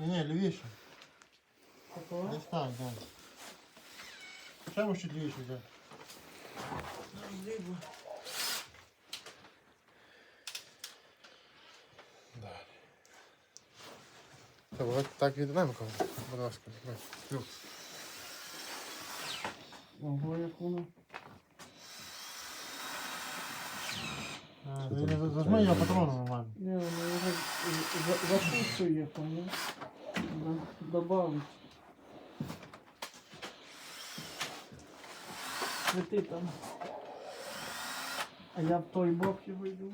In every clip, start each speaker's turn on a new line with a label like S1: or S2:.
S1: Ні, лівіше.
S2: Такого?
S1: Десь так, так. Ще може чуть лівіше взяти. Так віддаємо кого. Будь ласка, давай.
S2: Ого, як воно.
S1: Зажми його патроном нормально.
S2: Не, воно його закусує, поняв? Добавить. Свети там. А я в той бок його йду.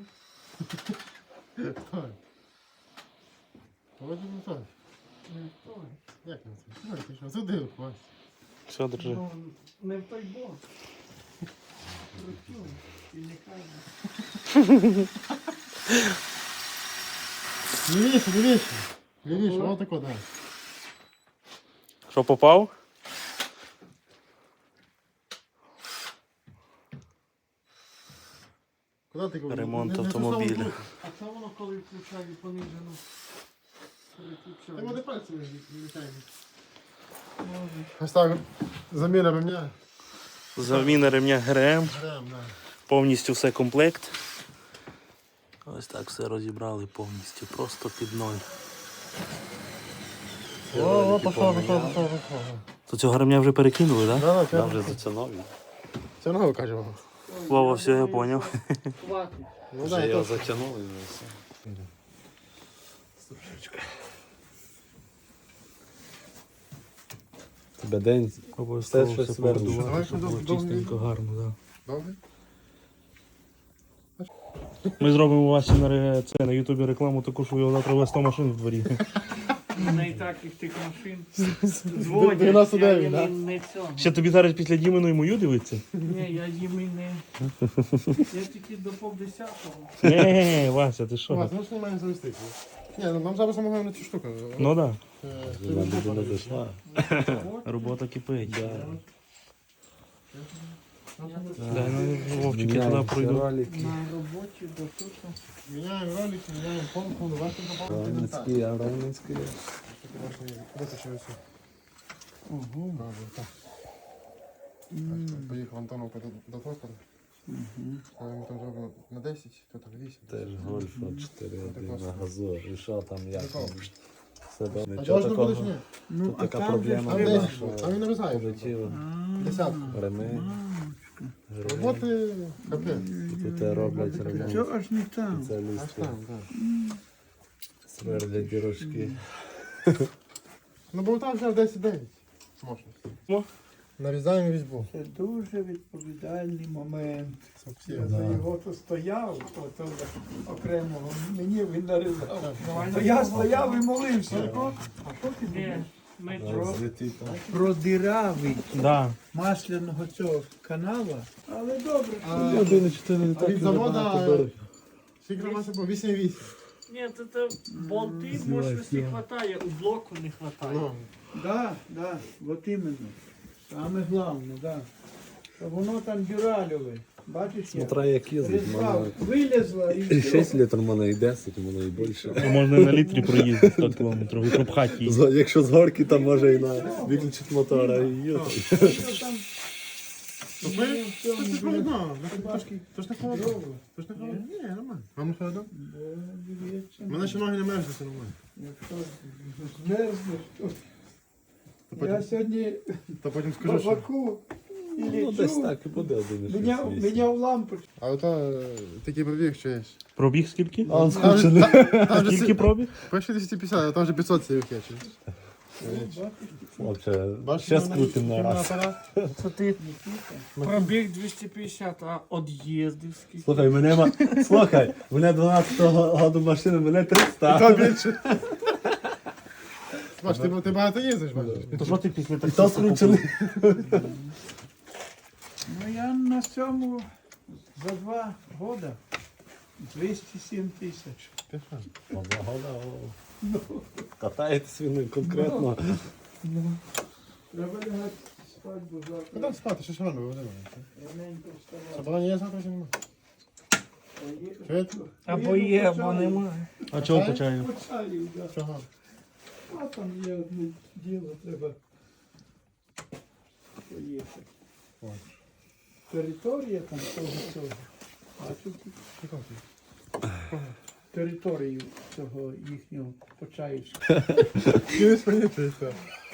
S1: Так. Ось не так.
S2: Не в той.
S1: Як не це? Ой, ти що, сюди впасть.
S3: Все, держи.
S2: Ну, не в той бок. Крутю. І не кажу.
S1: Лівіше, лівіше. Лівіше, ось тако, дай.
S3: Що, попав?
S1: Куди ти говориш?
S3: Ремонт
S1: Не ту
S3: автомобіля.
S1: саму штуку.
S2: А це воно коли включає понижену?
S1: Ти
S2: Переключає.
S1: води пальці літаємо.
S2: Може.
S1: Ось так, заміна ремня.
S3: Заміна ремня ГРМ.
S1: Грем, да.
S3: Повністю все комплект. Ось так все розібрали повністю. Просто під ноль.
S1: О, пішло.
S3: То цього ремня вже перекинули, так?
S1: Да,
S4: Я
S1: да,
S4: вже за це нові.
S1: це нове кажемо.
S3: Вова, все, я поняв.
S2: Хватить.
S1: Ну
S4: Вже
S1: да,
S4: його
S1: то...
S4: затягнули вже все. Тебе день
S3: Обов'язково
S4: Все,
S3: все
S4: щось
S3: побудувати,
S1: Давай,
S3: щоб
S1: щоб
S3: було
S1: довго
S3: чистенько,
S1: не-
S3: гарно, так.
S1: Добре?
S3: Ми зробимо у вас на ютубі рекламу таку, що його завтра буде 100 машин в дворі.
S2: У мене і так їх тих машин дзвонять.
S1: 99,
S2: я
S1: да?
S2: не цього.
S3: Ще тобі зараз після Діминої мою дивиться?
S2: Ні, я їм і не. Я тільки до 10:30.
S3: Ні, Вася, ти що?
S1: Ось, ну ж немає завести. Ні, ну нам зараз саме головне цю штуку.
S3: Ну так,
S4: вона людина зайшла.
S3: робота кипить.
S2: Я
S3: Дай, ну, Вовчик, я туди пройду.
S2: на роботі до тут.
S1: Міняємо ролики, міняємо помпу, варто допомогти
S4: Равницький, а Равницький.
S1: Витащив все.
S2: Ого.
S1: Так. Поїхав Антоновка до токаря. Ми там зробимо на 10, то там 8.
S4: Теж Гольфа 4 на газу. І що там, як там? Все добре.
S1: А
S4: Нічого
S1: чого ж не будеш,
S4: такого.
S1: ні?
S2: Ну,
S4: Тут така
S2: там
S4: проблема
S1: Там
S4: була,
S1: 10,
S4: що
S1: а він нарізає.
S4: полетіло.
S1: Десятку.
S4: Реми.
S1: Роботи капець.
S4: І тут роблять ремонт.
S2: Що аж не там?
S1: Аж
S4: Спеціалісти
S1: там, так.
S4: сверлять дірочки.
S1: Ну бо там взяв 10-9. Мощності.
S3: О.
S1: Нарізаємо різьбу.
S2: Це дуже відповідальний момент.
S1: Совсем,
S2: Я за його то стояв, то окремого. Мені він нарізав. То я стояв і молився. А що ти продиравий
S3: Да.
S2: масляного цього канала, але добре.
S1: А від завода скільки маса було? 8,8.
S2: Ні, то болти мощності не вистачає, у блоку не вистачає.
S1: Ну,
S2: Да, от іменно. Саме головне, да. Щоб воно там дюральове. Бачиш,
S4: Смотря як їздить,
S2: Різьба
S4: мене
S2: вилізла і
S4: 6 літрів, мене і 10, мене і більше.
S3: Можна на літрі проїздити 100 кілометрів і пропхати її.
S4: Якщо з горки, то може і на виключити мотора і їхати.
S2: там
S1: то ви? То ж не холодно. То ж не холодно. То ж не холодно. Ні, нормально. Вам не холодно? У мене ще ноги не мерзнуть, це нормально.
S2: Якщо змерзнеш, то
S1: То
S2: я
S1: потім,
S2: сьогодні
S1: то потім
S2: в
S1: скажу, що...
S2: баку і
S4: Ну, десь
S2: лічу,
S4: так і буде 1,6.
S2: міняв лампочку.
S1: А ото такий пробіг, що є.
S3: Пробіг скільки?
S4: А он
S1: Там
S4: скучений.
S3: Скільки пробіг?
S1: Пише 250, а там вже 500 цих є.
S4: Хлопче,
S1: Бачиш,
S4: ще
S1: в мене
S4: скрутим на раз.
S1: апарат?
S2: Це ти пробіг 250, а од'їздив скільки?
S4: Слухай, мене 12-го году машини, мене 300.
S1: Та більше. Бач, ти багато їздиш, бачиш.
S3: То що ти після
S4: І то
S3: таксі
S4: скручений.
S2: Ну я на цьому за 2 роки 207 тисяч.
S4: Одна года, катаєтесь він конкретно.
S2: Треба лягати спати, бо завтра
S1: Куди спати, що ж рано виводимо?
S2: раненько вставати.
S1: Собрання є завтра чи немає? Чуєте?
S2: Або є, або немає.
S3: А чого по чаю?
S2: По чаю, да.
S1: Чого?
S2: А там є одне діло, треба поїхати. Територія там цього. Територію цього їхнього Почаївського.
S1: Не сприйняти це.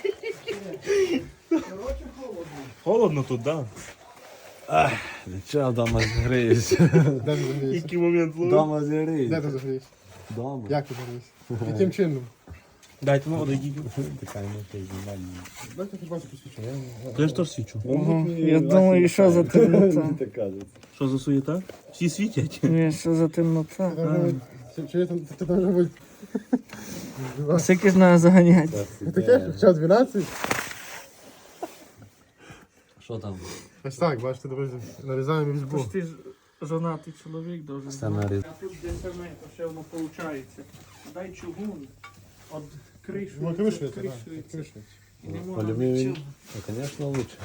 S2: Коротше, холодно.
S3: Холодно тут, так? Да?
S4: Нічого, вдома зігріюся.
S1: Де ти загрієшся?
S3: Який момент ловив?
S4: Вдома
S1: Де
S4: зігріюся.
S1: ти загрієшся?
S4: Вдома.
S1: Як ти загрієшся? Яким чином?
S3: Дайте на воду йдіть.
S4: Така не знімальна.
S1: Дайте ти бачу посвідчу.
S3: Я ж теж свічу.
S5: Я думаю, що за темнота?
S4: Так кажеться.
S3: Що за суєта? Всі світять.
S5: Ні, що за темнота?
S1: Чи ти там вже будь?
S5: Скільки ж треба заганяти?
S1: Таке? Час 12?
S4: Що там?
S1: Ось так, бачите, друзі. Нарізаємо різьбу.
S5: Ти ж жонатий чоловік должен.
S4: Все наріз.
S5: А тут де саме, то ще воно виходить. Дай чугун, от
S1: Ну, кришується, так.
S5: кришується.
S1: Кришується.
S5: І не можна
S4: Алюміний.
S5: нічого.
S4: Ну, звісно, лучше.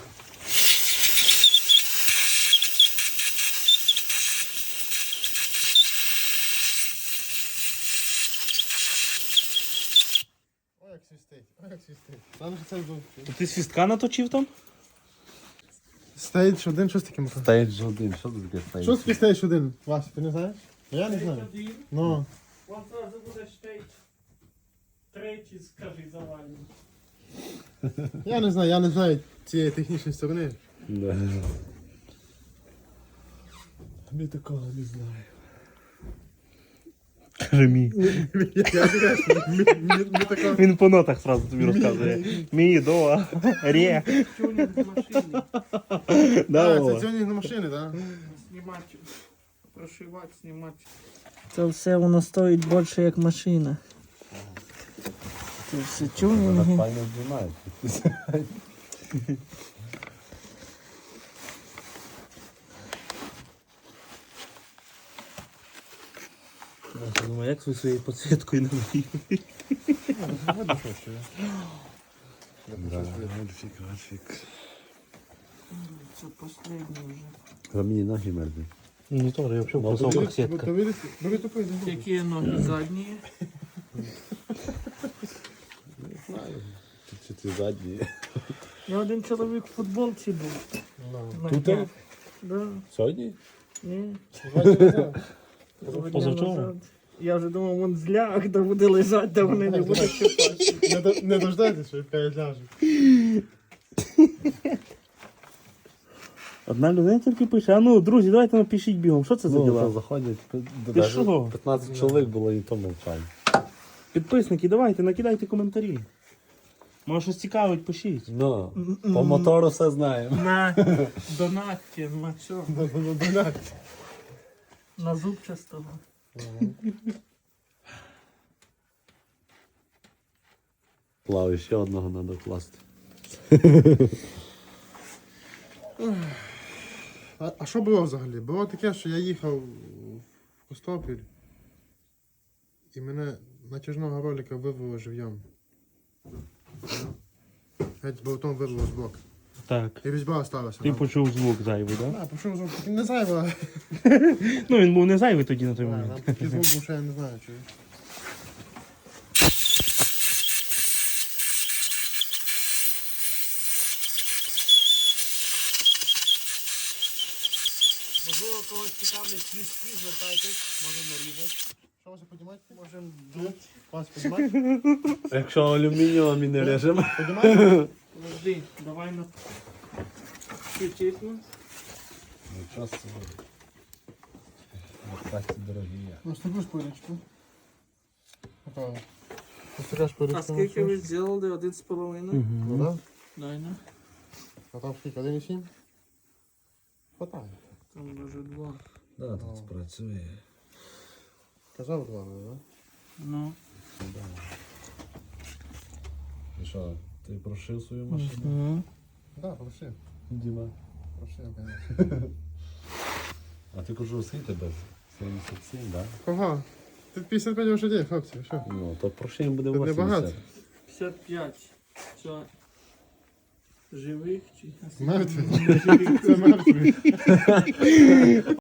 S1: Ой, як свістить. Ой, як свістить. Там же це був.
S3: То ти свістка наточив там?
S1: Стейдж 1, що з таким?
S4: Стейдж 1. Що тут таке стейдж?
S1: Що таке стейдж 1? Вася, ти не знаєш? Я не знаю. Ну.
S5: Вон зразу буде штейдж. Третій, скажи, завальний.
S1: Я не знаю цієї технічної сторони.
S4: Да.
S1: Ми такого не знаю.
S3: Каже мій.
S1: Ми такого...
S3: Він по нотах сразу тобі розказує. Мій, до, ре.
S5: Тюнінг машини.
S3: Да,
S1: це тюнінг на машини, так?
S5: Знімати, прошивати, знімати. Це все воно стоїть більше як машина. Це все
S4: Вона
S5: тюнінги.
S4: файно знімає.
S3: Я думаю, як ви своєю підсвіткою не виїхали?
S4: Графік.
S5: Це останнє вже.
S4: За мені ноги мерзли.
S3: Ну теж, я взагалі в кросовках сітка.
S1: Бери тупий.
S5: Які ноги задні?
S4: Чи ти задні?
S5: Я один чоловік в футболці був. На
S4: Тут?
S5: днях. Да.
S4: Сьогодні?
S5: Ні.
S3: Позавчора?
S5: Назад. Я вже думав, вон зляг, де буде лежати, де вони не будуть чіпати.
S1: Не дождайтесь, що хай ляже.
S3: Одна людина тільки пише, а ну, друзі, давайте напишіть бігом, що це за
S4: Ну, то
S3: діла?
S4: заходять.
S3: Ти що?
S4: 15 чоловік було і то мовчання.
S3: Підписники, давайте, накидайте коментарі. Може щось цікавить, пишіть.
S4: Ну, по мотору все знаємо.
S5: На донатці, на що?
S1: Донать.
S5: На зубчастого.
S4: Плаву ще одного треба класти.
S1: А що було взагалі? Було таке, що я їхав в Костопіль і мене натяжного ролика вирвало жив'ям. Геть з болтом вирвало з боку.
S3: Так.
S1: І різьба осталася.
S3: Ти почув звук зайвий, так? Да?
S1: А, пішов звук. Не зайва.
S3: Ну він був не зайвий тоді на той
S1: Нам
S3: момент.
S1: такий звук був, що я не знаю, чи.
S5: Можливо, когось цікавлять свістки, звертайтесь, можемо нарізати.
S1: Що Вася, піднімати?
S5: Можемо дути.
S1: Вася, піднімати?
S4: Якщо алюмінієвими не режемо.
S1: Піднімати?
S5: Подожди, давай на чуть-чуть.
S4: Нічого собі. Так дорогі.
S1: Ну, стеклю шпилечку. Готово. Така шпилечка.
S5: А скільки ви зробили? 1,5?
S1: Ну, да?
S5: Дай на.
S1: А там скільки? 1,7? Хватає.
S5: Там даже 2.
S4: Да, тут спрацює.
S1: Казав 2, да?
S5: Ну.
S4: І що, ти прошив свою машину?
S5: Угу.
S1: Да, прошив.
S4: Діма.
S1: Прошив, конечно.
S4: А ти кажу, скільки без? 77, так? Да?
S1: Кого? Тут 55 лошадей, хлопці, що?
S4: Ну, то прошив буде
S1: Тут
S4: 80.
S1: небагато.
S5: 55. Що? Живих чи?
S1: Мертві. Це мертві.